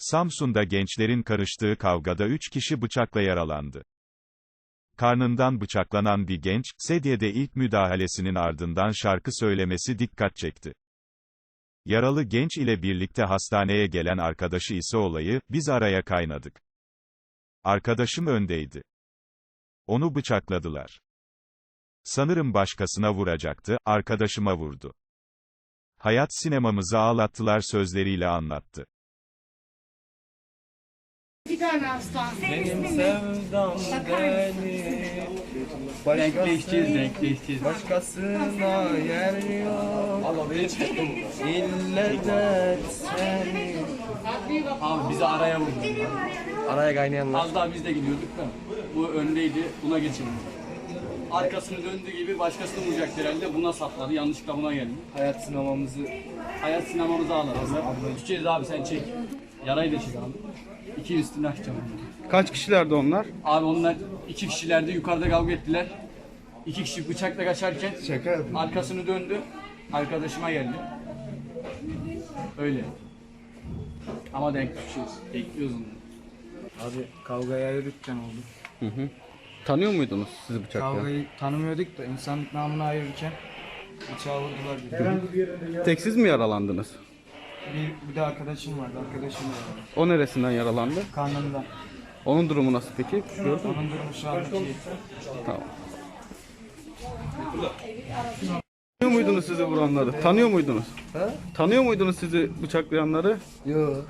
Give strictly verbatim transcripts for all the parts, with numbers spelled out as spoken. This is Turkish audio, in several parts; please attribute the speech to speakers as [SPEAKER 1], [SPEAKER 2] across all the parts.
[SPEAKER 1] Samsun'da gençlerin karıştığı kavgada üç kişi bıçakla yaralandı. Karnından bıçaklanan bir genç, sedyede ilk müdahalesinin ardından şarkı söylemesi dikkat çekti. Yaralı genç ile birlikte hastaneye gelen arkadaşı ise olayı, "Biz araya kaynadık. Arkadaşım öndeydi. Onu bıçakladılar. Sanırım başkasına vuracaktı, arkadaşıma vurdu. Hayat sinemamızı ağlattılar" sözleriyle anlattı.
[SPEAKER 2] Bir tane hasta.
[SPEAKER 3] Benim sevdam beni
[SPEAKER 4] Denkleşeceğiz, denkleşeceğiz.
[SPEAKER 3] başkasına yer yok.
[SPEAKER 4] Allah beni çektim.
[SPEAKER 3] İlle de seni.
[SPEAKER 4] Abi bizi araya vurdu.
[SPEAKER 3] Araya kaynayanlar.
[SPEAKER 4] Az daha biz de gidiyorduk da. Bu öndeydi, buna geçildi. Arkasını döndüğü gibi başkasını vuracaktı herhalde. Buna sapladı, yanlışlıkla buna geldi.
[SPEAKER 3] Hayat sinemamızı
[SPEAKER 4] Hayat sinemamızı ağladı. Düşeceğiz abi, sen çek. Yarayı da çek abi. İki üstüne açacağım.
[SPEAKER 5] Kaç kişilerdi onlar?
[SPEAKER 4] Abi onlar iki kişilerdi, yukarıda kavga ettiler. İki kişi bıçakla kaçarken
[SPEAKER 3] şaka yapıyor.
[SPEAKER 4] arkasını döndü. Arkadaşıma geldi. Öyle. Ama denk düşeceğiz. Bekliyoruz onu.
[SPEAKER 3] Abi kavgaya ayırırken oldu.
[SPEAKER 5] Tanıyor muydunuz sizi bıçaklayan?
[SPEAKER 3] Kavgayı tanımıyorduk da insanlık namına ayırırken bıçağı vurdular bizi.
[SPEAKER 5] Tek siz mi yaralandınız?
[SPEAKER 3] Bir, bir de arkadaşım vardı, arkadaşım vardı.
[SPEAKER 5] O neresinden yaralandı?
[SPEAKER 3] Karnında.
[SPEAKER 5] Onun durumu nasıl peki? Gördün mü?
[SPEAKER 3] Onun durumu şu an iyi.
[SPEAKER 5] Tamam. Tanıyor muydunuz sizi vuranları? Tanıyor muydunuz?
[SPEAKER 3] Ha?
[SPEAKER 5] Tanıyor muydunuz sizi bıçaklayanları?
[SPEAKER 3] Yok.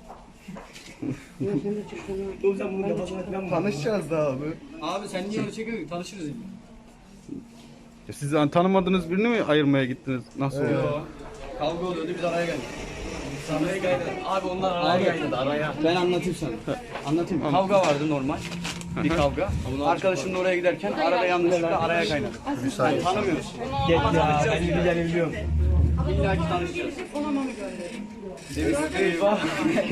[SPEAKER 3] Tanışacağız da abi.
[SPEAKER 4] Abi sen niye öyle çekiyorsun? Tanışırız yine.
[SPEAKER 5] Ya siz hani tanımadığınız birini mi ayırmaya gittiniz? Nasıl oldu?
[SPEAKER 4] Yo. Kavga oluyordu, biz araya geldik. Araya geldik. Abi onlar araya geldi, araya. Ben anlatayım sana. Anlatayım. Kavga vardı normal. Bir kavga. Arkadaşımla oraya giderken arada yanlışlıkla araya kaynadı. Yani tanımıyoruz. Gel ya, ben bilgileri biliyorum. İlla ki tanışacağız. Eyvah.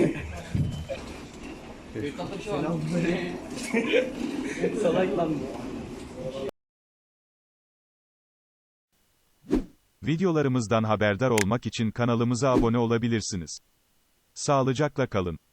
[SPEAKER 4] Salak lan.
[SPEAKER 1] Videolarımızdan haberdar olmak için kanalımıza abone olabilirsiniz. Sağlıcakla kalın.